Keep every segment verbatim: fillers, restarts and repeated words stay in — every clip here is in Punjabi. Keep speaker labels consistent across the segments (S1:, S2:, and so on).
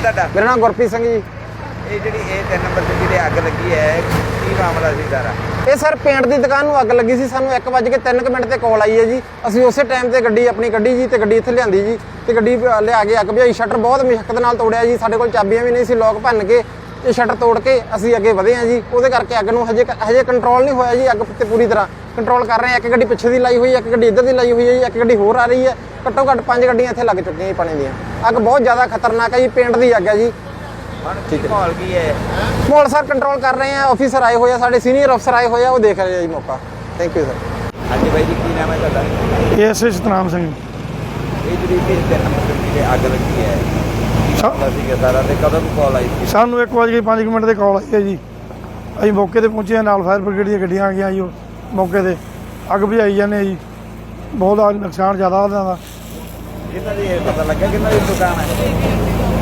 S1: ਤੁਹਾਡਾ?
S2: ਮੇਰਾ ਨਾਮ ਗੁਰਪ੍ਰੀਤ ਸਿੰਘ ਜੀ।
S1: ਇਹ ਜਿਹੜੀ ਇਹ ਤਿੰਨ ਨੰਬਰ ਤੇ ਜਿਹੜੀ ਅੱਗ ਲੱਗੀ ਹੈ ਕੀ ਮਾਮਲਾ ਸੀ ਸਾਰਾ?
S2: ਇਹ ਸਰ ਪੇਂਟ ਦੀ ਦੁਕਾਨ ਨੂੰ ਅੱਗ ਲੱਗੀ ਸੀ। ਸਾਨੂੰ ਇੱਕ ਵੱਜ ਕੇ ਤਿੰਨ ਕੁ ਮਿੰਟ ਤੇ ਕਾਲ ਆਈ ਹੈ ਜੀ। ਅਸੀਂ ਉਸੇ ਟਾਈਮ ਤੇ ਗੱਡੀ ਆਪਣੀ ਗੱਡੀ ਜੀ ਤੇ ਗੱਡੀ ਇੱਥੇ ਲਿਆਂਦੀ ਜੀ ਤੇ ਗੱਡੀ ਲਿਆ ਕੇ ਅੱਗ ਬੁਝਾਈ। ਸ਼ਟਰ ਬਹੁਤ ਮੁਸ਼ਕਲ ਨਾਲ ਤੋੜਿਆ ਜੀ। ਸਾਡੇ ਕੋਲ ਚਾਬੀਆਂ ਵੀ ਨਹੀਂ ਸੀ। ਲੋਕ ਭੰਨ ਕੇ ਇਹ ਸ਼ਟਰ ਤੋੜ ਕੇ ਅਸੀਂ ਅੱਗੇ ਵਧੇ ਹਾਂ ਜੀ। ਉਹਦੇ ਕਰਕੇ ਅੱਗ ਨੂੰ ਹਜੇ ਹਜੇ ਕੰਟਰੋਲ ਨਹੀਂ ਹੋਇਆ ਜੀ। ਅੱਗ ਤੇ ਪੂਰੀ ਤਰ੍ਹਾਂ ਕੰਟਰੋਲ ਕਰ ਰਹੇ ਹਾਂ। ਇੱਕ ਗੱਡੀ ਪਿੱਛੇ ਦੀ ਲਾਈ ਹੋਈ ਹੈ, ਇੱਕ ਗੱਡੀ ਇੱਧਰ ਦੀ ਲਾਈ ਹੋਈ ਹੈ ਜੀ, ਇੱਕ ਗੱਡੀ ਹੋਰ ਆ ਰਹੀ ਹੈ। ਘੱਟੋ ਘੱਟ ਪੰਜ ਗੱਡੀਆਂ ਇੱਥੇ ਲੱਗ ਚੁੱਕੀਆਂ ਜੀ ਪਾਣੀ ਦੀਆਂ। ਅੱਗ ਬਹੁਤ ਜ਼ਿਆਦਾ ਖਤਰਨਾਕ ਹੈ ਜੀ। ਪੇਂਟ ਦੀ ਅੱਗ ਹੈ ਜੀ।
S1: ਠੀਕ ਹੈ। ਮਾਹੌਲ ਕੀ ਹੈ?
S2: ਮਾਹੌਲ ਸਰ ਕੰਟਰੋਲ ਕਰ ਰਹੇ ਆ। ਆਫੀਸਰ ਆਏ ਹੋਏ ਆ, ਸਾਡੇ ਸੀਨੀਅਰ ਅਫਸਰ ਆਏ ਹੋਏ ਆ, ਉਹ ਦੇਖ ਰਹੇ ਆ ਜੀ ਮੌਕਾ। Thank you sir.
S1: ਹਾਂਜੀ ਬਾਈ ਜੀ, ਕੀ ਨਾਮ ਹੈ ਤੁਹਾਡਾ?
S3: S S Satnam Singh.
S1: ਇਹ ਜਿਹੜੀ ਤਿੰਨ ਨੰਬਰ ਤੇ ਅੱਗ ਲੱਗੀ ਹੈ ਸੀਗਾ ਸਾਰਾ ਤੇ ਕਦੋਂ ਕਾਲ ਆਈ ਸੀ?
S3: ਸਾਨੂੰ ਇੱਕ ਵਜੇ ਪੰਜ ਮਿੰਟ ਤੇ ਕਾਲ ਆਈ ਹੈ ਜੀ। ਅਸੀਂ ਮੌਕੇ ਤੇ ਪਹੁੰਚੇ ਹਾਂ, ਨਾਲ ਫਾਇਰ ਬ੍ਰਿਗੇਡ ਦੀਆਂ ਗੱਡੀਆਂ ਆ ਗਈਆਂ ਜੀ। ਉਹ ਮੌਕੇ ਤੇ ਅੱਗ ਬੁਝਾਈ ਜਾਂਦੇ ਜੀ। ਬਹੁਤ ਆ ਨੁਕਸਾਨ ਜ਼ਿਆਦਾ ਉਹਨਾਂ ਦਾ।
S1: ਇਹਨਾਂ ਦੀ ਪਤਾ ਲੱਗਾ ਕਿੰਨਾ ਦੀ ਦੁਕਾਨ ਹੈ?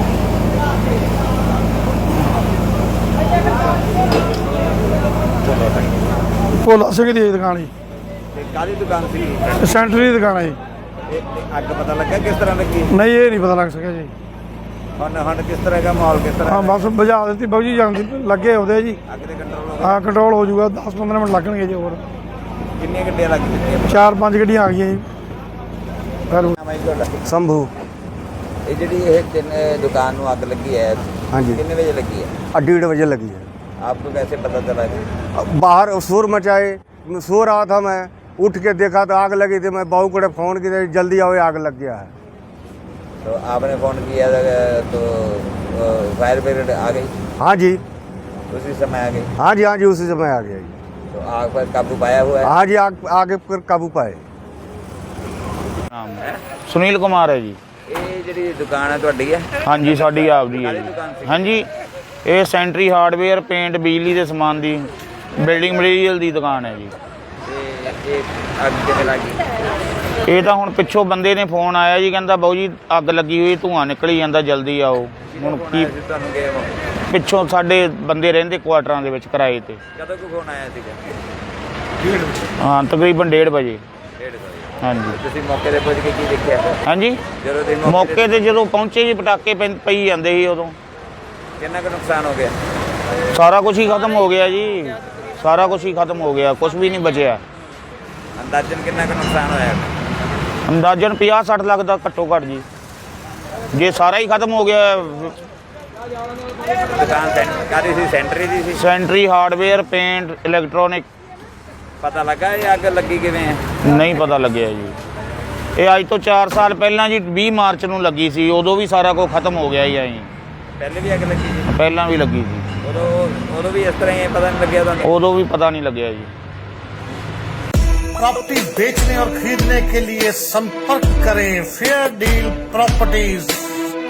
S3: ਭੋਲਾ ਸਿੰਘ ਦੀ ਦੁਕਾਨ ਜੀ।
S1: ਤੇ ਕਾਹਦੀ ਦੁਕਾਨ ਸੀ?
S3: ਸੈਂਟਰ ਦੀ ਦੁਕਾਨ ਹੈ ਜੀ।
S1: ਇਹ ਅੱਗ ਪਤਾ ਲੱਗਾ ਕਿਸ ਤਰ੍ਹਾਂ ਲੱਗੀ?
S3: ਨਹੀਂ, ਇਹ ਨਹੀਂ ਪਤਾ ਲੱਗ ਸਕਿਆ ਜੀ।
S1: ਹੁਣ ਹੁਣ ਕਿਸ ਤਰ੍ਹਾਂ ਦਾ ਮਾਹੌਲ ਕਿਸ ਤਰ੍ਹਾਂ?
S3: ਹਾਂ ਬਸ ਬੁਝਾ ਦਿੱਤੀ ਬਾਊ ਜੀ। ਜਾਂਦੀ ਲੱਗੇ ਉਹਦੇ ਜੀ।
S1: ਅੱਗ ਦੇ ਕੰਟਰੋਲ ਹੋ
S3: ਹਾਂ ਕੰਟਰੋਲ ਹੋ ਜਾਊਗਾ। ਦਸ ਪੰਦਰਾਂ ਮਿੰਟ ਲੱਗਣਗੇ ਜੀ। ਹੋਰ
S1: ਕਿੰਨੀਆਂ ਗੱਡੀਆਂ ਲੱਗ ਚੁੱਕੀਆਂ?
S3: ਚਾਰ ਪੰਜ ਗੱਡੀਆਂ ਆ ਗਈਆਂ ਜੀ। ਫਿਰ
S1: ਨਾਮ ਹੈ ਤੁਹਾਡਾ?
S2: ਸੰਭੂ।
S1: ਇਹ ਜਿਹੜੀ ਇਹ ਤਿੰਨ ਦੁਕਾਨ ਨੂੰ ਅੱਗ ਲੱਗੀ ਹੈ
S2: हाँ जी,
S1: कितने बजे लगी है?
S2: डेढ़ बजे लगी है।
S1: आपको कैसे पता चला?
S2: बाहर शोर मचाए, सो रहा था मैं, उठ के देखा तो आग लगी थी। मैं बहू को फ़ोन किया, जल्दी आओ आग लग गया है।
S1: तो आपने फ़ोन किया तो फायर ब्रिगेड आ गई?
S2: हाँ जी,
S1: उसी समय आ गई?
S2: हाँ जी, हाँ जी, उसी समय आ गया जी।
S1: तो आग पर काबू पाया हुआ है?
S2: हाँ जी, आग आगे पर काबू पाए।
S4: नाम सुनील कुमार है जी।
S1: ਇਹ ਜਿਹੜੀ ਦੁਕਾਨ ਹੈ ਤੁਹਾਡੀ ਹੈ?
S4: ਹਾਂਜੀ ਸਾਡੀ ਆਪਦੀ ਹੈ ਜੀ। ਹਾਂਜੀ ਇਹ ਸੈਂਟਰੀ ਹਾਰਡਵੇਅਰ ਪੇਂਟ ਬਿਜਲੀ ਦੇ ਸਮਾਨ ਦੀ ਬਿਲਡਿੰਗ ਮਟੀਰੀਅਲ ਦੀ ਦੁਕਾਨ ਹੈ ਜੀ।
S1: ਤੇ ਇਹ ਅੱਗ ਕਿਵੇਂ ਲੱਗੀ?
S4: ਇਹ ਤਾਂ ਹੁਣ ਪਿੱਛੋਂ ਬੰਦੇ ਨੇ ਫੋਨ ਆਇਆ ਜੀ, ਕਹਿੰਦਾ ਬਾਊ ਜੀ ਅੱਗ ਲੱਗੀ ਹੋਈ, ਧੂੰਆਂ ਨਿਕਲੀ ਜਾਂਦਾ, ਜਲਦੀ ਆਓ। ਹੁਣ ਕੀ
S1: ਤੁਹਾਨੂੰ ਗਏ ਹੋ?
S4: ਪਿੱਛੋਂ ਸਾਡੇ ਬੰਦੇ ਰਹਿੰਦੇ ਕੁਆਟਰਾਂ ਦੇ ਵਿੱਚ ਕਿਰਾਏ ਤੇ।
S1: ਕਦੋਂ ਕੋ ਫੋਨ ਆਇਆ ਸੀਗਾ?
S4: ਹਾਂ ਤਕਰੀਬਨ ਡੇਢ ਵਜੇ।
S1: ਡੇਢ ਵਜੇ।
S4: ਹਾਂਜੀ
S1: ਤੁਸੀਂ ਮੌਕੇ ਤੇ ਪਹੁੰਚ ਕੇ ਕੀ ਦੇਖਿਆ?
S4: ਹਾਂਜੀ
S1: ਜਦੋਂ ਦੇ
S4: ਮੌਕੇ ਤੇ ਜਦੋਂ ਪਹੁੰਚੇ ਜੀ ਪਟਾਕੇ ਪੈ- ਪਈ ਜਾਂਦੇ ਸੀ। ਉਦੋਂ
S1: ਕਿੰਨਾ ਕੁ ਨੁਕਸਾਨ ਹੋ ਗਿਆ?
S4: ਸਾਰਾ ਕੁਝ ਹੀ ਖਤਮ ਹੋ ਗਿਆ ਜੀ। ਸਾਰਾ ਕੁਝ ਹੀ ਖਤਮ ਹੋ ਗਿਆ, ਕੁਝ ਵੀ ਨਹੀਂ ਬਚਿਆ।
S1: ਅੰਦਾਜ਼ਨ ਕਿੰਨਾ ਕੁ ਨੁਕਸਾਨ ਹੋਇਆ?
S4: ਅੰਦਾਜ਼ਨ ਪੰਜਾਹ ਸੱਠ ਲੱਖ ਦਾ ਘੱਟੋ ਘੱਟ ਜੀ। ਜੇ ਸਾਰਾ ਹੀ ਖਤਮ ਹੋ ਗਿਆ।
S1: ਦੁਕਾਨ ਸੈਂਟਰ ਕਾਹਦੀ ਸੀ? ਸੈਂਟਰੀ ਦੀ ਸੀ?
S4: Sanitary hardware paint electronic.
S1: ਪਤਾ ਲੱਗਾ ਇਹ ਅੱਗ ਲੱਗੀ ਕਿਵੇਂ ਹੈ?
S4: ਨਹੀਂ ਪਤਾ ਲੱਗਿਆ ਜੀ। ਇਹ ਅੱਜ ਤੋਂ ਚਾਰ ਸਾਲ ਪਹਿਲਾਂ ਜੀ ਵੀਹ ਮਾਰਚ ਨੂੰ ਲੱਗੀ ਸੀ। ਉਦੋਂ ਵੀ ਸਾਰਾ ਕੁਝ ਖਤਮ ਹੋ ਗਿਆ ਜੀ। ਐਂ
S1: ਪਹਿਲੇ ਵੀ ਅੱਗ ਲੱਗੀ ਸੀ?
S4: ਪਹਿਲਾਂ ਵੀ ਲੱਗੀ ਸੀ।
S1: ਉਦੋਂ ਉਦੋਂ ਵੀ ਇਸ ਤਰ੍ਹਾਂ ਹੀ ਪਤਾ ਨਹੀਂ ਲੱਗਿਆ ਤੁਹਾਨੂੰ?
S4: ਉਦੋਂ ਵੀ ਪਤਾ ਨਹੀਂ ਲੱਗਿਆ ਜੀ।
S5: प्रॉपर्टी बेचने और खरीदने के लिए संपर्क करें फेयर डील प्रॉपर्टीज।